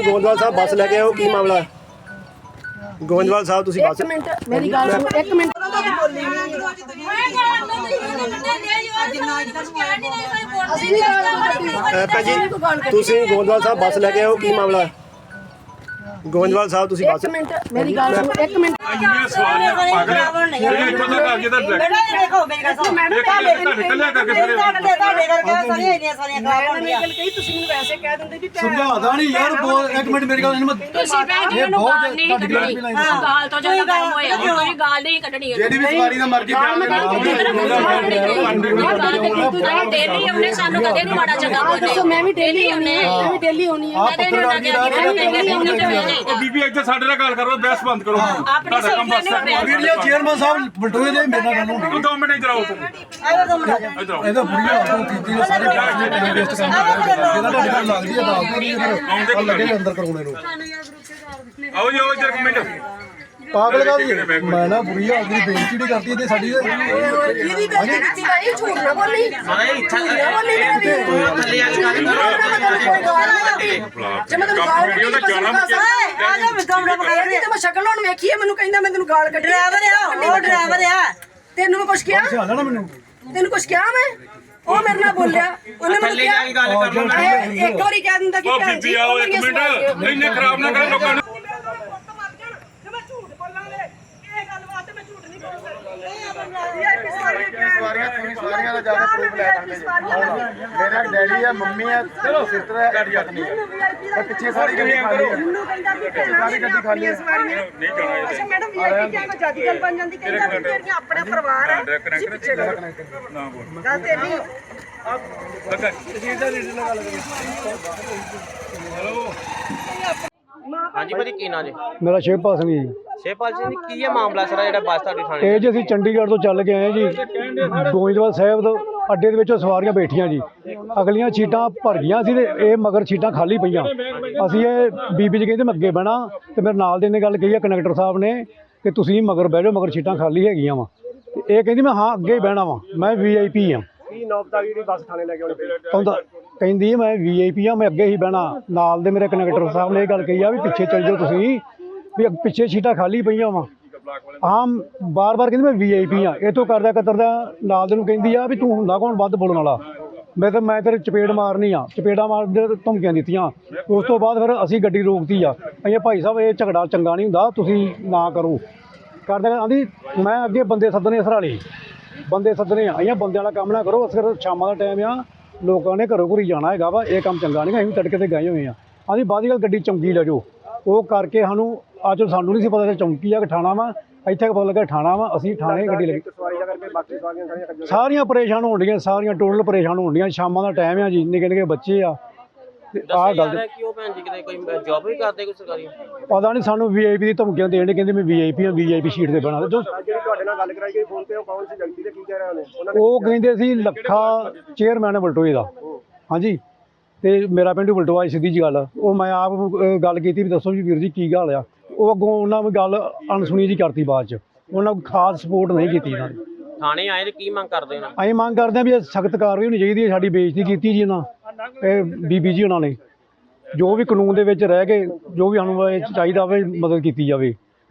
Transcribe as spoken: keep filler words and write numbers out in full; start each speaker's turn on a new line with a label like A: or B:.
A: ਗੋਇੰਦਵਾਲ ਸਾਹਿਬ ਬੱਸ ਲੈ ਕੇ ਆਓ, ਕੀ ਮਾਮਲਾ? ਗੋਇੰਦਵਾਲ ਸਾਹਿਬ ਤੁਸੀਂ ਬੱਸ
B: ਇੱਕ ਮਿੰਟ ਮੇਰੀ ਗੱਲ ਸੁਣੋ, ਇੱਕ ਮਿੰਟ।
A: ਭੈਣ ਜੀ ਤੁਸੀਂ ਗੋਇੰਦਵਾਲ ਸਾਹਿਬ ਬੱਸ ਲੈ ਕੇ ਆਓ, ਕੀ ਮਾਮਲਾ? ਗੋਇੰਦਵਾਲ ਸਾਹਿਬ ਤੁਸੀਂ ਬੱਸ
B: ਇੱਕ ਮਿੰਟ ਮੇਰੀ ਗੱਲ ਸੁਣੋ, ਇੱਕ ਮਿੰਟ।
C: ਸਮਝਾਦਾ ਨਹੀਂ ਯਾਰ, ਇੱਕ ਮਿੰਟ ਮੇਰੀ ਗੱਲ ਇਹਨੂੰ
D: ਗਾਲ ਤੋਂ ਜ਼ਿਆਦਾ ਗਰਮ ਹੋਏ ਕੋਈ ਗਾਲ ਨਹੀਂ ਕੱਢਣੀ
C: ਜਿਹੜੀ ਵੀ ਸਵਾਰੀ ਦਾ ਮਰਜ਼ੀ
D: ਡੇਲੀ ਉਹਨੇ ਸਾਨੂੰ ਕਦੇ ਨਹੀਂ ਮਾੜਾ ਚੰਗਾ ਬੋਲਦੇ।
B: ਮੈਂ ਵੀ ਡੇਲੀ ਆਉਣੀ ਹੈ, ਮੈਂ ਵੀ ਡੇਲੀ ਆਉਣੀ ਹੈ।
E: ਬੀਬੀ ਇੱਥੇ ਸਾਡੇ ਨਾਲ ਗੱਲ ਕਰੋ, ਬਹਿਸ ਬੰਦ ਕਰੋ।
D: ਆਪਣੀ
C: ਵੀਡੀਓ ਚੇਅਰਮੈਨ ਸਾਹਿਬ ਬਲਟੋਏ ਦੇ ਮੇਰੇ ਨਾਲ ਗੱਲ ਹੋਣੀ।
E: ਦੋ ਮਿੰਟ ਇਧਰ ਆਓ ਤੁਸੀਂ। ਇਧਰ ਆਓ।
C: ਇਹਦਾ ਬੁੜੀਆ ਆਟੋ ਕੀਤੀ ਨੇ ਸਾਰੇ ਟਾਈਮ ਵੇਸਟ ਕਰਦੇ ਜਿਹਨਾਂ ਤੁਹਾਡੀ ਗੱਲ ਲੱਗਦੀ ਹੈ ਦੱਸ ਦਿਓ ਨਹੀਂ ਫਿਰ ਲੱਗੇ ਅੰਦਰ ਕਰਾਉਣੇ ਨੂੰ।
E: ਆਓ ਜੀ ਆਓ ਇੱਧਰ ਇੱਕ ਮਿੰਟ।
C: ਪਾਗਲ ਗੱਲ ਮੈਂ ਨਾ ਬੁਰੀ ਆਦਮੀ ਬੇਇੱਜ਼ਤੀ ਨਹੀਂ ਕਰਦੀ ਤੇ ਸਾਡੀ
B: ਜਿਹਦੀ ਬੇਇੱਜ਼ਤੀ ਕੀਤੀ ਭਾਈ ਝੂਠ ਨਾ ਬੋਲੀ।
F: ਮਾਰੇ ਇੱਥਾ
B: ਝੂਠ ਨਾ ਬੋਲੀ ਮੇਰਾ ਵੀਰ।
F: ਥੱਲੇ ਆ ਕੇ ਗੱਲ
B: ਜੇ ਮੈਂ ਤੈਨੂੰ ਗਾਲ ਕੱਢੀ ਤਾਂ ਜਾਣਾ ਆ ਜਾ ਵਿਦਮੜਾ ਬਖਾਇਆ ਤੇ ਮੈਂ ਸ਼ਕਲ ਹੁਣ ਵੇਖੀ ਹੈ, ਮੈਨੂੰ ਕਹਿੰਦਾ ਮੈਂ ਤੈਨੂੰ ਗਾਲ ਕੱਢੀ। ਡਰਾਈਵਰ ਆ ਉਹ, ਡਰਾਈਵਰ ਆ। ਤੈਨੂੰ ਮੈਂ ਕੁਛ ਕਿਹਾ?
C: ਸਿਆਣਾ ਨਾ ਮੈਨੂੰ
B: ਤੈਨੂੰ ਕੁਛ ਕਿਹਾ ਮੈਂ? ਉਹ ਮੇਰੇ ਨਾਲ ਬੋਲਿਆ, ਉਹਨੇ ਮੈਨੂੰ
F: ਥੱਲੇ ਆ ਕੇ ਗੱਲ ਕਰ ਲਓ।
B: ਕਿਹਾ ਇੱਕ ਵਾਰੀ ਕਹਿ ਦਿੰਦਾ ਕਿ
E: ਉਹ
B: ਭੈਣ ਜੀ
E: ਬੀਬੀ ਆਓ ਇੱਕ ਮਿੰਟ, ਇੰਨੇ ਖਰਾਬ ਨਾ ਕਰੋ ਲੋਕਾਂ ਨੂੰ।
C: ਸਵਾਰੀਆਂ ਤੁਸੀਂ ਸਵਾਰੀਆਂ ਦਾ ਜ਼ਿਆਦਾ ਪ੍ਰੂਫ ਲੈ ਸਕਦੇ ਜੀ। ਮੇਰਾ ਡੈਡੀ ਆ, ਮੰਮੀ ਆ, ਸਿਸਟਰ ਹੈ, ਪਤਨੀ ਹੈ। ਪਿੱਛੇ ਸਾਰੀ ਗੱਡੀ ਖਾਲੀ ਹੈ। ਸਾਰੀ ਗੱਡੀ ਖਾਲੀ ਹੈ।
E: ਨਹੀਂ ਜਾਣਾ
B: ਅੱਛਾ ਮੈਡਮ ਵੀਆਈਪੀ ਕਿਹਾ ਕੋਈ ਜਿਆਦੀ ਗੱਲ ਬਣ ਜਾਂਦੀ, ਕਹਿੰਦਾ ਵੀ ਤੇਰੀਆਂ ਆਪਣਾ ਪਰਿਵਾਰ ਹੈ, ਤੁਸੀਂ ਪਿੱਛੇ ਕਰੋ
E: ਨਾ ਬੋਲ
B: ਗੱਲ ਤੇ ਨਹੀਂ।
E: ਲੱਗਾ
F: ਹਾਂਜੀ ਭਾਜੀ ਕੀ ਨਾਂ ਜੀ?
G: ਮੇਰਾ ਸ਼ਿਵਪਾਲ ਸਿੰਘ ਜੀ।
F: ਸ਼ੇਪਾਲ ਸਿੰਘ ਜੀ ਕੀ ਹੈ ਮਾਮਲਾ ਸਰ ਜਿਹੜਾ ਬੱਸ ਤੁਹਾਡੀ ਥਾਣੇ?
G: ਇਹ ਜੀ ਅਸੀਂ ਚੰਡੀਗੜ੍ਹ ਤੋਂ ਚੱਲ ਕੇ ਆਏ ਜੀ, ਗੋਇੰਦਵਾਲ ਸਾਹਿਬ ਤੋਂ ਅੱਡੇ ਦੇ ਵਿੱਚੋਂ ਸਵਾਰੀਆਂ ਬੈਠੀਆਂ ਜੀ। ਅਗਲੀਆਂ ਸੀਟਾਂ ਭਰ ਗਈਆਂ ਸੀ ਤੇ ਇਹ ਮਗਰ ਸੀਟਾਂ ਖਾਲੀ ਪਈਆਂ। ਅਸੀਂ ਇਹ ਬੀਬੀ ਜੀ ਕਹਿੰਦੇ ਮੈਂ ਅੱਗੇ ਬਹਿਣਾ ਤੇ ਮੇਰੇ ਨਾਲ ਦੇ ਨੇ ਗੱਲ ਕਹੀ ਆ ਕੰਡਕਟਰ ਸਾਹਿਬ ਨੇ ਕਿ ਤੁਸੀਂ ਮਗਰ ਬਹਿ ਜਾਓ, ਮਗਰ ਸੀਟਾਂ ਖਾਲੀ ਹੈਗੀਆਂ ਵਾ। ਤੇ ਇਹ ਕਹਿੰਦੀ ਮੈਂ ਹਾਂ ਅੱਗੇ ਹੀ ਬਹਿਣਾ ਵਾ, ਮੈਂ ਵੀ ਆਈ ਪੀ ਆ।
A: ਕੀ ਨੌਬਤ ਜਿਹੜੀ ਬੱਸ ਥਾਣੇ ਲੈ ਕੇ ਆਉਣੀ ਪਈ?
G: ਕਹਿੰਦਾ ਕਹਿੰਦੀ ਮੈਂ ਵੀ ਆਈ ਪੀ ਆ, ਮੈਂ ਅੱਗੇ ਹੀ ਬਹਿਣਾ। ਨਾਲ ਦੇ ਮੇਰੇ ਕੰਡਕਟਰ ਸਾਹਿਬ ਨੇ ਇਹ ਗੱਲ ਕਹੀ ਆ ਵੀ ਪਿੱਛੇ ਚੱਲ ਜਾਓ ਤੁਸੀਂ, ਵੀ ਪਿੱਛੇ ਸੀਟਾਂ ਖਾਲੀ ਪਈਆਂ ਵਾ। ਆਮ ਬਾਰ-ਬਾਰ ਕਹਿੰਦੀ ਮੈਂ ਵੀ ਆਈ ਪੀ ਆ। ਇਹ ਤੋਂ ਕਰਦਾ ਕਤਰਦਾ ਨਾਲ ਦੇ ਨੂੰ ਕਹਿੰਦੀ ਆ ਵੀ ਤੂੰ ਹੁੰਦਾ ਕੌਣ ਵੱਧ ਬੋਲਣ ਵਾਲਾ? ਮੈਂ ਤਾਂ ਮੈਂ ਤੇਰੇ ਚਪੇੜ ਮਾਰਨੀ ਆ। ਚਪੇੜਾਂ ਮਾਰਦੇ ਧਮਕੀਆਂ ਦਿੱਤੀਆਂ। ਉਸ ਤੋਂ ਬਾਅਦ ਫਿਰ ਅਸੀਂ ਗੱਡੀ ਰੋਕਤੀ ਆ। ਅਸੀਂ ਭਾਈ ਸਾਹਿਬ ਇਹ ਝਗੜਾ ਚੰਗਾ ਨਹੀਂ ਹੁੰਦਾ, ਤੁਸੀਂ ਨਾ ਕਰੋ। ਕਰਦਾ ਆਂਦੀ ਮੈਂ ਅੱਗੇ ਬੰਦੇ ਸੱਦਣੇ ਸਰਾਲੀ ਬੰਦੇ ਸੱਦਣੇ ਆ। ਅਸੀਂ ਬੰਦਿਆਂ ਵਾਲਾ ਕੰਮ ਨਾ ਕਰੋ। ਅਸਰ ਸ਼ਾਮਾਂ ਦਾ ਟਾਈਮ ਆ, ਲੋਕਾਂ ਨੇ ਘਰੋਂ ਘਰੀ ਜਾਣਾ ਹੈਗਾ ਵਾ, ਇਹ ਕੰਮ ਚੰਗਾ ਨਹੀਂ। ਅਸੀਂ ਵੀ ਤੜਕੇ ਤੇ ਗਏ ਹੋਏ ਆ। ਆਂਦੀ ਬਾਅਦ ਦੀ ਗੱਲ ਗੱਡੀ ਚੌਂਕੀ ਲੈ ਜਾਓ। ਉਹ ਕਰਕੇ ਸਾਨੂੰ ਅੱਜ ਸਾਨੂੰ ਨਹੀਂ ਸੀ ਪਤਾ ਚੌਂਕੀ ਆ ਕਿ ਠਾਣਾ ਵਾ। ਇੱਥੇ ਪਤਾ ਲੱਗਾ ਠਾਣਾ ਵਾ। ਅਸੀਂ ਠਾਣੇ ਗੱਡੀ ਲੱਗੀ।
A: ਸਵਾਰੀ ਦਾ ਕਰਕੇ ਬਾਕੀ ਸਵਾਰੀਆਂ ਸਾਰੀਆਂ
G: ਸਾਰੀਆਂ ਪਰੇਸ਼ਾਨ ਹੋਣ ਡੀਆਂ, ਸਾਰੀਆਂ ਟੋਟਲ ਪਰੇਸ਼ਾਨ ਹੋਣ ਡੀਆਂ। ਸ਼ਾਮਾਂ ਦਾ ਟਾਈਮ ਆ ਜੀ, ਨਿੱਕੇ ਨਿੱਕੇ ਬੱਚੇ ਆ। ਆਹ ਗੱਲ
F: ਕਿ ਉਹ ਭੈਣ ਜੀ ਕਿਤੇ ਕੋਈ ਜੌਬ ਵੀ ਕਰਦੇ ਕੋਈ ਸਰਕਾਰੀ?
G: ਪਤਾ ਨਹੀਂ, ਸਾਨੂੰ ਵੀ ਆਈ ਪੀ ਦੀ ਧਮਕੀਆਂ ਦੇਣ। ਕਹਿੰਦੇ ਮੈਂ ਵੀ ਆਈ ਪੀ ਆ, ਵੀ ਆਈ ਪੀ ਸ਼ੀਟ ਤੇ ਬਣਾ। ਜੋ
A: ਜਿਹੜੀ ਤੁਹਾਡੇ ਨਾਲ ਗੱਲ ਕਰਾਈ ਗਈ ਫੋਨ ਤੇ, ਉਹ ਕੌਣ ਸੀ ਵਿਅਕਤੀ ਤੇ ਕੀ ਕਹਿ ਰਹੇ ਨੇ?
G: ਉਹ ਕਹਿੰਦੇ ਸੀ ਲੱਖਾ ਚੇਅਰਮੈਨ ਹੈ ਬਲਟੋਏ ਦਾ। ਹਾਂਜੀ, ਤੇ ਮੇਰਾ ਪਿੰਡ ਬਲਟੋਆ ਸਿੱਧੀ ਜੀ ਗੱਲ। ਉਹ ਮੈਂ ਆਪ ਗੱਲ ਕੀਤੀ ਵੀ ਦੱਸੋ ਜੀ ਵੀਰ ਜੀ ਕੀ ਗੱਲ ਆ। ਉਹ ਅੱਗੋਂ ਉਹਨਾਂ ਨੇ ਗੱਲ ਅਣਸੁਣੀ ਜੀ ਕਰਤੀ। ਬਾਅਦ 'ਚ ਉਹਨਾਂ ਖਾਸ ਸਪੋਰਟ ਨਹੀਂ ਕੀਤੀ ਇਹਨਾਂ ਨੇ।
F: ਥਾਣੇ ਆਏ ਤੇ ਕੀ ਮੰਗ ਕਰਦੇ ਹੋ?
G: ਅਸੀਂ ਮੰਗ ਕਰਦੇ ਹਾਂ ਵੀ ਸਖਤ ਕਾਰਵਾਈ ਹੋਣੀ ਚਾਹੀਦੀ ਹੈ। ਸਾਡੀ ਬੇਇੱਜ਼ਤੀ ਕੀਤੀ ਜੀ ਇਹਨਾਂ ਇਹ ਬੀਬੀ ਜੀ ਉਹਨਾਂ ਨੇ। ਜੋ ਵੀ ਕਾਨੂੰਨ ਦੇ ਵਿੱਚ ਰਹਿ ਕੇ ਜੋ ਵੀ ਸਾਨੂੰ ਚਾਹੀਦਾ ਹੋਵੇ ਮਦਦ ਕੀਤੀ ਜਾਵੇ।